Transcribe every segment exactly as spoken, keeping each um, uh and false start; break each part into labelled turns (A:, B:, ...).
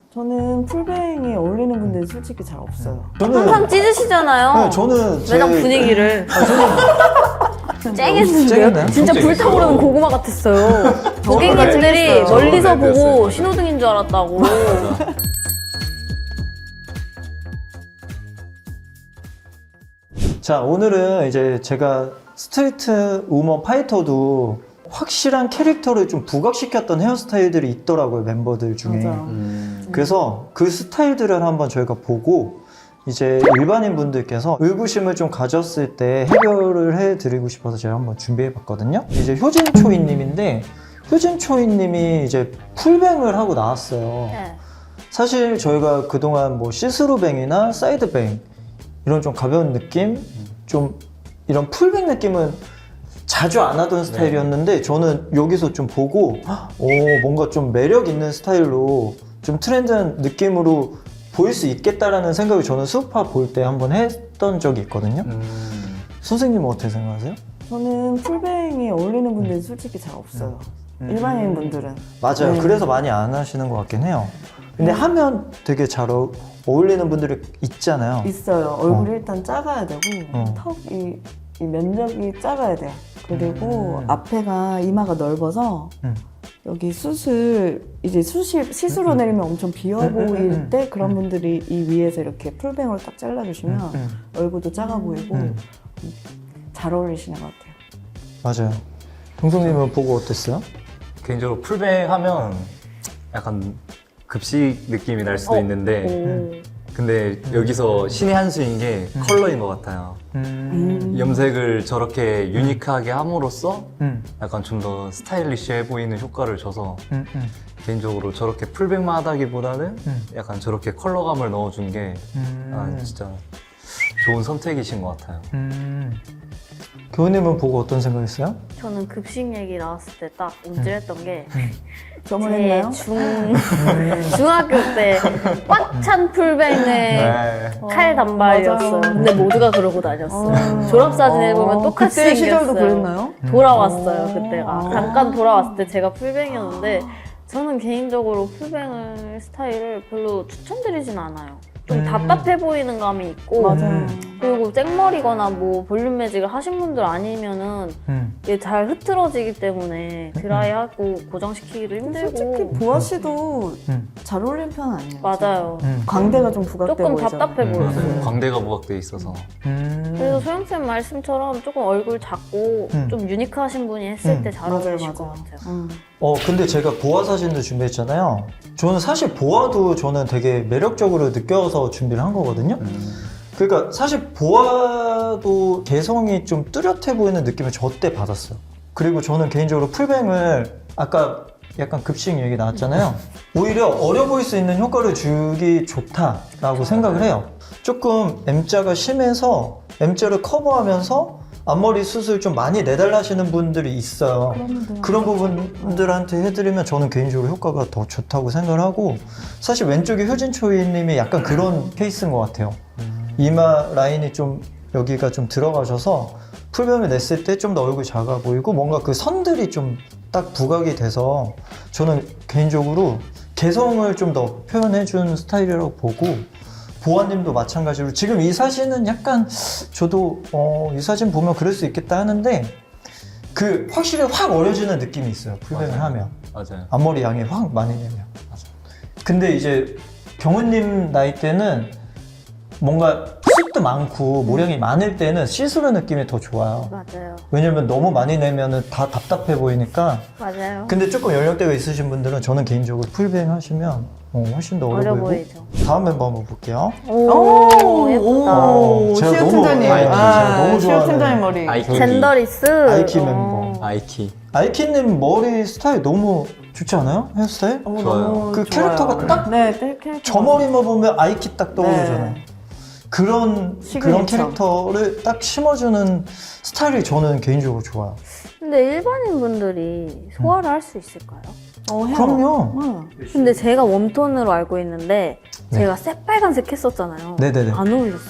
A: 저는 풀뱅이 어울리는 분들이 솔직히 잘 없어요.
B: 항상 찢으시잖아요.
C: 네, 저는 제-
B: 매장 분위기를. 쨍했는데요?
C: 쨍했나요?
B: 진짜 불타오르는 고구마 같았어요. 고객님들이
A: 쨍했어요.
B: 멀리서
D: 네,
B: 보고
D: 됐어요.
B: 신호등인 줄 알았다고.
C: 자, 오늘은 이제 제가 스트리트 우먼 파이터도 확실한 캐릭터를 좀 부각시켰던 헤어스타일들이 있더라고요, 멤버들 중에.
A: 맞아요.
D: 음.
C: 그래서 그 스타일들을 한번 저희가 보고 이제 일반인 분들께서 의구심을 좀 가졌을 때 해결을 해드리고 싶어서 제가 한번 준비해봤거든요. 이제 효진초이님인데 효진초이님이 이제 풀뱅을 하고 나왔어요.
B: 네.
C: 사실 저희가 그동안 뭐 시스루뱅이나 사이드뱅 이런 좀 가벼운 느낌, 좀 이런 풀뱅 느낌은 자주 안 하던 스타일이었는데 저는 여기서 좀 보고 오, 뭔가 좀 매력 있는 스타일로 좀 트렌드한 느낌으로 보일 수 있겠다라는 생각을 저는 수우파 볼 때 한번 했던 적이 있거든요.
D: 음.
C: 선생님은 어떻게 생각하세요?
A: 저는 풀뱅이 어울리는 분들이 솔직히 잘 없어요.
C: 음.
A: 일반인 분들은.
C: 맞아요.
A: 네.
C: 그래서 많이 안 하시는 것 같긴 해요. 근데 하면 되게 잘 어, 어울리는 분들이 있잖아요.
A: 있어요. 얼굴이 일단 작아야 되고
C: 어.
A: 턱이 이 면적이 작아야 돼요. 그리고
C: 음.
A: 앞에가 이마가 넓어서
C: 음.
A: 여기 숯을 이제 숯이 시스로 내리면 엄청 비어
C: 음, 음,
A: 보일
C: 음,
A: 때 그런
C: 음.
A: 분들이 이 위에서 이렇게 풀뱅으로 딱 잘라주시면
C: 음, 음.
A: 얼굴도 작아 보이고
C: 음.
A: 잘 어울리시는 것 같아요.
C: 맞아요. 동성님은 보고 어땠어요?
D: 개인적으로 풀뱅 하면 약간 급식 느낌이 날 수도
B: 어.
D: 있는데
B: 오.
D: 근데 여기서 신의 한 수인 게 컬러인 것 같아요.
A: 음.
D: 염색을 저렇게 유니크하게 함으로써
C: 음.
D: 약간 좀 더 스타일리시해 보이는 효과를 줘서
C: 음, 음.
D: 개인적으로 저렇게 풀뱅만 하다기보다는
C: 음.
D: 약간 저렇게 컬러감을 넣어준 게
C: 음.
D: 아, 진짜 좋은 선택이신 것 같아요.
C: 음. 교우님은 보고 어떤 생각했어요?
B: 저는 급식 얘기 나왔을 때 딱 움찔했던 게
A: 점을
B: 제
A: 했나요?
B: 중, 중학교 때 꽉 찬 풀뱅에
D: 네.
B: 칼 단발이었어요.
A: 맞아요.
B: 근데 모두가 그러고 다녔어요.
A: 어.
B: 졸업사진을 보면
A: 어,
B: 똑같이
A: 그때
B: 생겼어요.
A: 시절도 그랬나요?
B: 돌아왔어요,
A: 음.
B: 그때가.
A: 아.
B: 잠깐 돌아왔을 때 제가 풀뱅이었는데 저는 개인적으로 풀뱅을 스타일을 별로 추천드리진 않아요. 좀
C: 음.
B: 답답해 보이는 감이 있고
A: 맞아요.
B: 그리고 생머리거나 뭐 볼륨 매직을 하신 분들 아니면은
C: 음.
B: 이게 잘 흐트러지기 때문에 드라이하고 고정시키기도 힘들고
A: 솔직히 보아 씨도
C: 음.
A: 잘 어울리는 편은 아니에요.
B: 맞아요.
C: 음.
A: 광대가 좀 부각돼
B: 조금
A: 보이잖아요.
B: 답답해
D: 음,
B: 보였어요.
D: 광대가 부각돼 있어서
C: 음.
B: 그래서 소영쌤 말씀처럼 조금 얼굴 작고
C: 음.
B: 좀 유니크하신 분이 했을
C: 음.
B: 때 잘
A: 맞아요,
B: 어울리실
A: 맞아요.
B: 것 같아요.
A: 음.
C: 어 근데 제가 보아 사진도 준비했잖아요. 저는 사실 보아도 저는 되게 매력적으로 느껴서 준비를 한 거거든요.
D: 음.
C: 그러니까 사실 보아도 개성이 좀 뚜렷해 보이는 느낌을 저 때 받았어요. 그리고 저는 개인적으로 풀뱅을 아까 약간 급식 얘기 나왔잖아요. 오히려 어려 보일 수 있는 효과를 주기 좋다라고 생각을 해요. 조금 M자가 심해서 M자를 커버하면서 앞머리 숱을 좀 많이 내달라 하시는 분들이 있어요. 그런 부분들한테 해드리면 저는 개인적으로 효과가 더 좋다고 생각을 하고 사실 왼쪽에 효진초이님이 약간 그런 케이스인 것 같아요. 이마 라인이 좀 여기가 좀 들어가셔서 풀뱅을 냈을 때 좀 더 얼굴이 작아 보이고 뭔가 그 선들이 좀 딱 부각이 돼서 저는 개인적으로 개성을 좀 더 표현해준 스타일이라고 보고 보아님도 마찬가지로 지금 이 사진은 약간 저도 어, 이 사진 보면 그럴 수 있겠다 하는데 그 확실히 확 어려지는 느낌이 있어요. 풀뱅을
D: 맞아요.
C: 하면
D: 맞아요.
C: 앞머리 양이 확 많이 내면 근데 이제 경훈님 나이 때는 뭔가 숱도 많고 모량이 많을 때는 시스루 느낌이 더 좋아요.
B: 맞아요.
C: 왜냐면 너무 많이 내면은 다 답답해 보이니까.
B: 맞아요.
C: 근데 조금 연령대가 있으신 분들은 저는 개인적으로 풀뱅 하시면 어, 훨씬 더 어려,
B: 어려
C: 보이고.
B: 보이죠.
C: 다음 멤버 한번 볼게요.
B: 오, 예쁘다.
C: 오, 제가
A: 시오
C: 너무-
A: 팀장님.
C: 아이키, 제가 너무
A: 시오
C: 좋아하는
A: 팀장님 머리.
D: 아이키.
B: 젠더리스.
C: 아이키
B: 어.
C: 멤버.
D: 아이키.
C: 아이키님 머리 스타일 너무 좋지 않아요? 헤어스타일?
A: 어,
D: 좋아요.
A: 너무
C: 그
A: 좋아요.
C: 캐릭터가 딱
A: 네, 네, 캐릭터.
C: 저 머리만 보면 아이키 딱 떠오르잖아요.
A: 네.
C: 그런 그런
A: 시그니처.
C: 캐릭터를 딱 심어주는 스타일이 저는 개인적으로 좋아요.
B: 근데 일반인 분들이 소화를 할 수 있을까요?
A: 어, 해요.
C: 그럼요.
A: 응.
B: 근데 제가 웜톤으로 알고 있는데
C: 네.
B: 제가 새빨간색 했었잖아요.
C: 네네네.
B: 안 어울렸어요.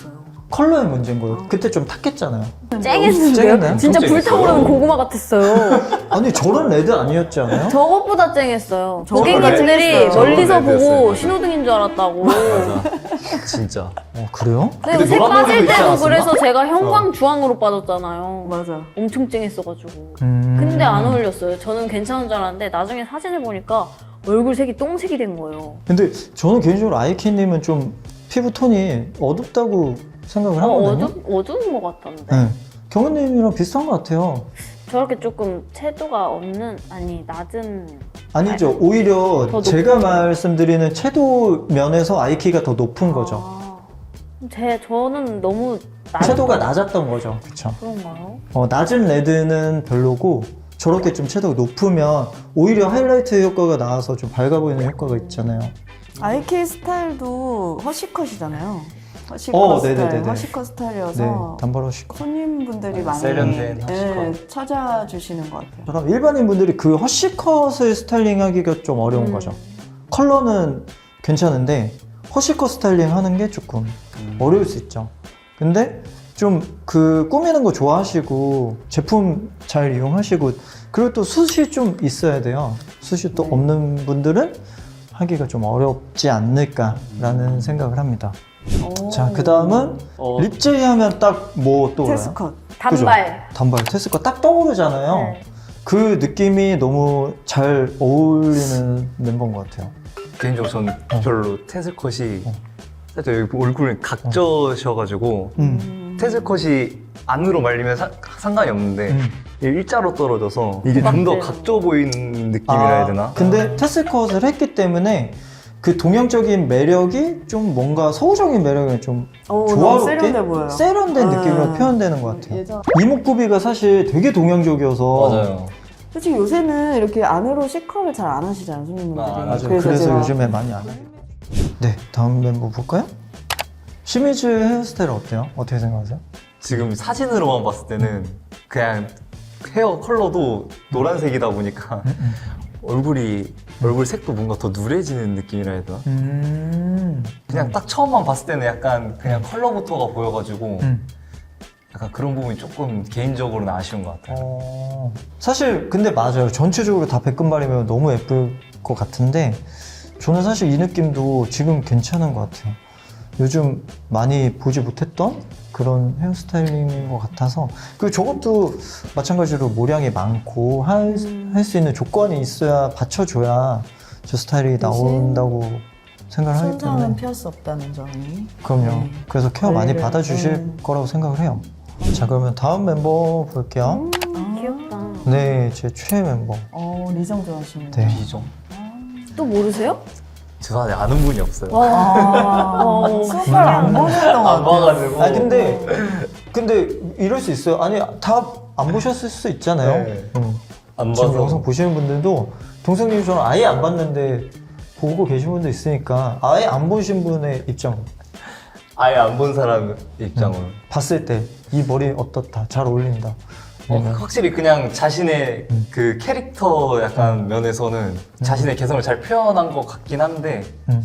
C: 컬러의 문제인 거예요. 그때 좀 탁했잖아요.
B: 쨍했는데요?
C: 쨍했나요?
B: 진짜
D: 좀
B: 불타오르는
D: 쨍했어요.
B: 고구마 같았어요.
C: 아니 저런 레드 아니었지 않아요?
B: 저것보다 쨍했어요.
A: 저거보다
B: 고객님들이
A: 쨍했어요.
B: 멀리서
D: 저거보다
B: 보고
D: 쨍했어요.
B: 신호등인 줄 알았다고.
D: 맞아. 진짜.
C: 어 그래요?
B: 근데
D: 근데
B: 색
D: 노란
B: 빠질
D: 머리도 있지
B: 때도
D: 않았었나?
B: 그래서 제가 형광 주황으로 빠졌잖아요.
A: 맞아.
B: 엄청 쨍했어가지고.
C: 음...
B: 근데 안 어울렸어요. 저는 괜찮은 줄 알았는데 나중에 사진을 보니까 얼굴 색이 똥색이 된 거예요.
C: 근데 저는 개인적으로 아이키님은 좀 피부 톤이 어둡다고 생각을
B: 어,
C: 하거든요.
B: 어두, 어두운 것 같던데.
C: 네. 경은님이랑 비슷한 것 같아요.
B: 저렇게 조금 채도가 없는, 아니 낮은.
C: 아니죠. 오히려
B: 더
C: 제가
B: 높은
C: 말씀드리는 채도 면에서 아이키가 더 높은 거죠.
B: 아, 제 저는 너무 낮.
C: 채도가 낮았던 거죠. 그쵸.
B: 그런가요?
C: 어, 낮은 레드는 별로고 저렇게 좀 채도가 높으면 오히려 하이라이트 효과가 나와서 좀 밝아 보이는 효과가 있잖아요.
A: 아이케이 스타일도 허쉬컷이잖아요. 허쉬컷
C: 어,
A: 스타일,
C: 네네네네.
A: 허쉬컷
C: 네,
A: 스타일이어서
C: 단발하시고.
A: 손님분들이 많이
D: 세련된
A: 예,
D: 허쉬컷.
A: 찾아주시는 것 같아요.
C: 그럼 일반인 분들이 그 허쉬컷을 스타일링 하기가 좀 어려운
B: 음.
C: 거죠. 컬러는 괜찮은데 허쉬컷 스타일링 하는 게 조금
D: 음.
C: 어려울 수 있죠. 근데 좀 그 꾸미는 거 좋아하시고 제품 잘 이용하시고 그리고 또 숱이 좀 있어야 돼요. 숱이 또
A: 네.
C: 없는 분들은 하기가 좀 어렵지 않을까라는 생각을 합니다.
A: 오.
C: 자, 그 다음은
D: 어,
C: 립제이 하면 딱 뭐 떠올라요?
A: 테스컷.
B: 단발.
C: 단발 테스가 딱 떠오르잖아요.
B: 네.
C: 그 느낌이 너무 잘 어울리는 멤버인 것 같아요.
D: 개인적으로 저는 별로 테슬컷이
C: 어.
D: 살짝 여기 얼굴이 각져셔가지고
C: 음.
A: 음.
D: 테슬컷이 안으로 말리면 사- 상관이 없는데
C: 음.
D: 이게 일자로 떨어져서 이게 좀 더
B: 맞아요.
D: 각져 보이는 느낌이라 해야 되나?
C: 아, 근데 테스컷을 했기 때문에 그 동양적인 매력이 좀 뭔가 서구적인 매력이 좀
A: 오, 너무
C: 조화롭게
A: 세련돼 보여요.
C: 세련된
A: 네.
C: 느낌으로 표현되는 것 같아요.
A: 예전
C: 이목구비가 사실 되게 동양적이어서
D: 맞아요.
A: 솔직히 요새는 이렇게 안으로 C컬을 잘 안 하시잖아요, 손님분들이.
D: 아,
C: 맞아요. 그래서,
A: 제가
C: 요즘에 많이 안 해요. 네, 다음 멤버 볼까요? 시미즈 헤어스타일 어때요? 어떻게 생각하세요?
D: 지금 사진으로만 봤을 때는 그냥 헤어 컬러도 노란색이다 보니까 얼굴이 얼굴 색도 뭔가 더 누래지는 느낌이라 해야 되나?
C: 음.
D: 그냥 딱 처음만 봤을 때는 약간 그냥 컬러부터가 보여가지고
C: 음.
D: 약간 그런 부분이 조금 개인적으로는 아쉬운 것 같아요.
C: 어... 사실 근데 맞아요. 전체적으로 다 백금발이면 너무 예쁠 것 같은데 저는 사실 이 느낌도 지금 괜찮은 것 같아요. 요즘 많이 보지 못했던 그런 헤어스타일링인 것 같아서 그리고 저것도 마찬가지로 모량이 많고 할 수 있는 조건이 있어야 받쳐줘야 저 스타일이 나온다고 생각을 하기
A: 천장은
C: 때문에
A: 피할 수 없다는 점이.
C: 그럼요.
A: 네.
C: 그래서 케어 많이
A: 관리를,
C: 받아주실
A: 네.
C: 거라고 생각을 해요. 자, 그러면 다음 멤버 볼게요.
A: 아,
B: 귀엽다.
C: 네, 제 최애 멤버.
A: 어, 리정 좋아하시는
C: 네.
D: 비정.
B: 또 모르세요?
D: 죄송한데 아는 분이 없어요.
A: 아,
B: 어,
A: 수업을 안 보셨던 것
D: 안
A: 같아요.
D: 봐가지고.
C: 아 근데 근데 이럴 수 있어요. 아니 다 안 보셨을 수 있잖아요.
D: 네.
C: 응.
D: 안
C: 지금
D: 봐서.
C: 영상 보시는 분들도 동생님 저는 아예 안 봤는데 보고 계신 분도 있으니까 아예 안 보신 분의 입장
D: 아예 안 본 사람 입장으로.
C: 봤을 때 이 머리 어떻다 잘 어울린다.
D: 어,
C: 아니면
D: 확실히 그냥 자신의
C: 음.
D: 그 캐릭터 약간 면에서는 자신의 개성을 잘 표현한 것 같긴 한데
C: 음.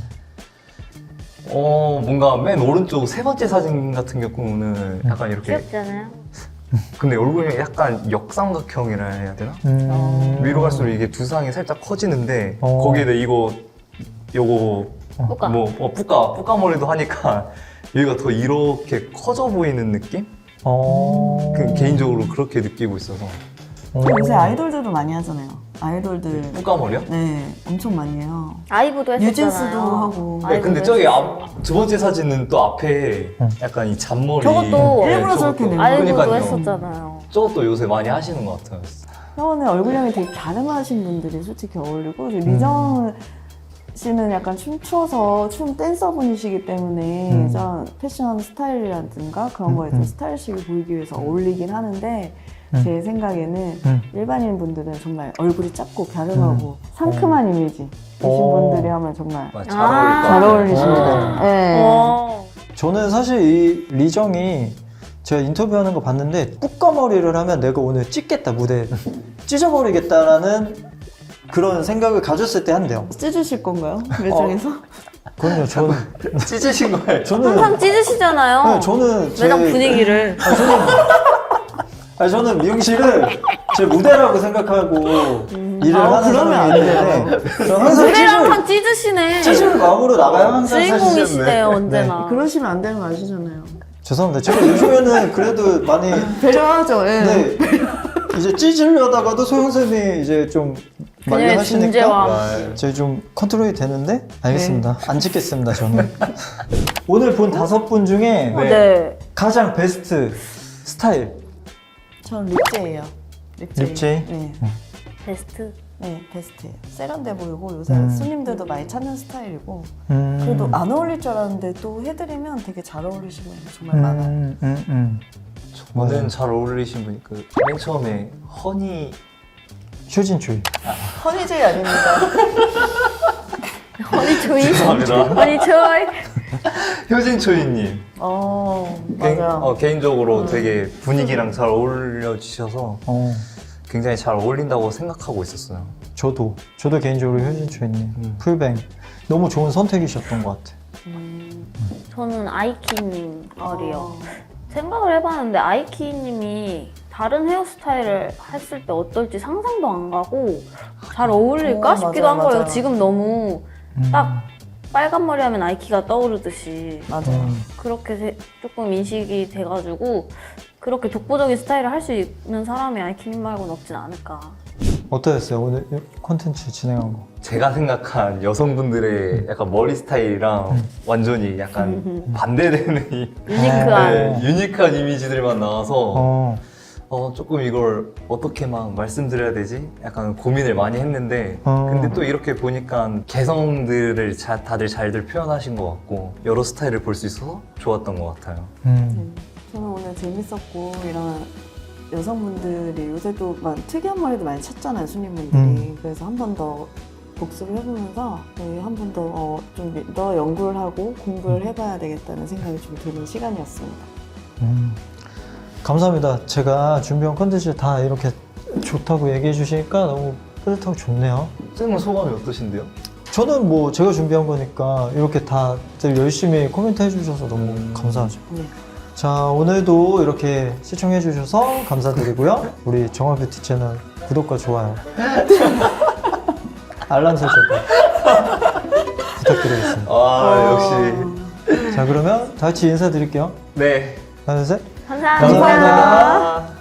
D: 어 뭔가 맨 오른쪽 세 번째 사진 같은 경우는 약간 이렇게
B: 귀엽지 않아요?
D: 근데 얼굴이 약간 역삼각형이라 해야 되나?
C: 음.
D: 위로 갈수록 이게 두상이 살짝 커지는데
C: 어.
D: 거기에다 이거 요거
B: 뿌까.
D: 뭐 어, 뿌까 뿌까 머리도 하니까 여기가 더 이렇게 커져 보이는 느낌?
C: 어.
D: 그 개인적으로 그렇게 느끼고 있어서
C: 어.
A: 요새 아이돌들도 많이 하잖아요. 아이돌들.
D: 뿌까 머리요?
A: 네, 엄청 많이 해요.
B: 아이브도 했었잖아요.
A: 뉴진스도 하고.
D: 네,
B: 아이브도
D: 근데 저기
B: 했었어요.
D: 앞, 두 번째 사진은 또 앞에
C: 응.
D: 약간 이 잔머리
B: 저것도
A: 일부러 저렇게 낸 거예요.
B: 아이브도
D: 그러니까요.
B: 했었잖아요.
D: 저것도 요새 많이 하시는 것 같아요.
A: 형은 얼굴형이 되게 가늠하신 분들이 솔직히 어울리고 리정 씨는 약간 춤추어서 춤 댄서분이시기 때문에
C: 음.
A: 전 패션 스타일이라든가 그런
C: 음,
A: 거에
C: 음.
A: 좀 스타일식을 보이기 위해서 어울리긴 하는데
C: 음.
A: 제 생각에는
C: 음.
A: 일반인 분들은 정말 얼굴이 작고 갸름하고 상큼한 이미지이신
C: 어.
A: 분들이 하면 정말
D: 아, 잘
B: 아.
D: 어울릴 것
A: 잘
D: 같아요.
A: 어울리십니다. 네.
B: 어.
C: 저는 사실 이 리정이 제가 인터뷰하는 거 봤는데 뿌까머리를 하면 내가 오늘 찢겠다 무대 찢어버리겠다라는 그런 생각을 가졌을 때 한대요.
A: 찢으실 건가요? 매장에서?
C: 그럼요. 저는
D: 찢으신 거예요?
C: 저는
B: 항상 찢으시잖아요.
C: 네, 저는 제
B: 매장 분위기를.
C: 아, 저는 아 저는 미용실을 제 무대라고 생각하고 일을
A: 아,
C: 하는
A: 그러면 안
C: 사람이 있는데 저는 항상
B: 노래를
C: 찢을
B: 항상 찢으시네.
C: 찢을 마음으로 나가요 항상.
B: 주인공이시대요 언제나.
A: 그러시면 안 되는 거 아시잖아요.
C: 죄송합니다. 제가 요즘에는 그래도 많이
A: 배려하죠. 예.
C: 네, 이제 찢으려다가도 소영 쌤이 이제 좀 많이
B: 그녀의
C: 하시니까
B: 존재와
C: 제가 좀 컨트롤이 되는데 알겠습니다. 안 찢겠습니다 저는. 오늘 본 다섯 분 중에
B: 어, 네.
C: 가장 베스트 스타일
A: 전 립제예요. 립제.
C: 립제?
A: 네.
B: 베스트.
A: 네, 베스트예요. 세련돼 보이고 요새
C: 음.
A: 손님들도 많이 찾는 스타일이고
C: 음.
A: 그래도 안 어울릴 줄 알았는데 또 해드리면 되게 잘 어울리시는 분이 정말 많아요.
C: 음, 음, 음.
D: 저는 잘 어울리신 분이 그 맨 처음에 허니
C: 효진초이.
A: 허니제이 아닙니다.
B: 허니 조이.
D: 죄송합니다.
B: 허니 조이.
D: 효진초이님
A: 어,
D: 개인,
A: 맞아요.
D: 어, 개인적으로 되게 분위기랑 잘 어울려주셔서
C: 어,
D: 굉장히 잘 어울린다고 생각하고 있었어요.
C: 저도 저도 개인적으로 효진초이님
D: 음.
C: 풀뱅 너무 좋은 선택이셨던 것 같아.
B: 저는 아이키님 머리요.
A: 어.
B: 생각을 해봤는데 아이키님이 다른 헤어스타일을 했을 때 어떨지 상상도 안 가고 잘 어울릴까
A: 어,
B: 싶기도
A: 맞아요,
B: 한 거예요.
A: 맞아요.
B: 지금 너무
C: 음.
B: 딱 빨간 머리 하면 아이키가 떠오르듯이
A: 맞아요.
C: 음.
B: 그렇게 세- 조금 인식이 돼가지고 그렇게 독보적인 스타일을 할 수 있는 사람이 아이키님 말고는 없진 않을까.
C: 어떠셨어요 오늘 콘텐츠 진행한 거?
D: 제가 생각한 여성분들의 약간 머리 스타일이랑 완전히 약간 반대되는 이
B: 유니크한.
D: 네, 유니크한 이미지들만 나와서
C: 어,
D: 어, 조금 이걸 어떻게 막 말씀드려야 되지? 약간 고민을 많이 했는데
C: 어.
D: 근데 또 이렇게 보니까 개성들을 자, 다들 잘들 표현하신 것 같고 여러 스타일을 볼 수 있어서 좋았던 것 같아요.
C: 음.
A: 저는 오늘 재밌었고 이런 여성분들이 요새 또 막 특이한 머리도 많이 찾잖아요 손님분들이.
C: 음.
A: 그래서 한 번 더 복습을 해보면서 네, 한 번 더 좀 더 연구를 하고 공부를 해봐야 되겠다는 생각이 좀 드는 시간이었습니다.
C: 음. 감사합니다. 제가 준비한 콘텐츠 다 이렇게 좋다고 얘기해 주시니까 너무 뿌듯하고 좋네요.
D: 쌤은 소감이 어떠신데요?
C: 저는 뭐 제가 준비한 거니까 이렇게 다들 열심히 코멘트 해주셔서 너무 감사하죠.
A: 네.
C: 자, 오늘도 이렇게 시청해 주셔서 감사드리고요. 우리 정화뷰티 채널 구독과 좋아요, 알람 설정도 부탁드리겠습니다.
D: 아 역시
C: 자, 그러면 다 같이 인사드릴게요.
D: 네
C: 하나, 둘, 셋.
B: 감사합니다.
C: 감사합니다.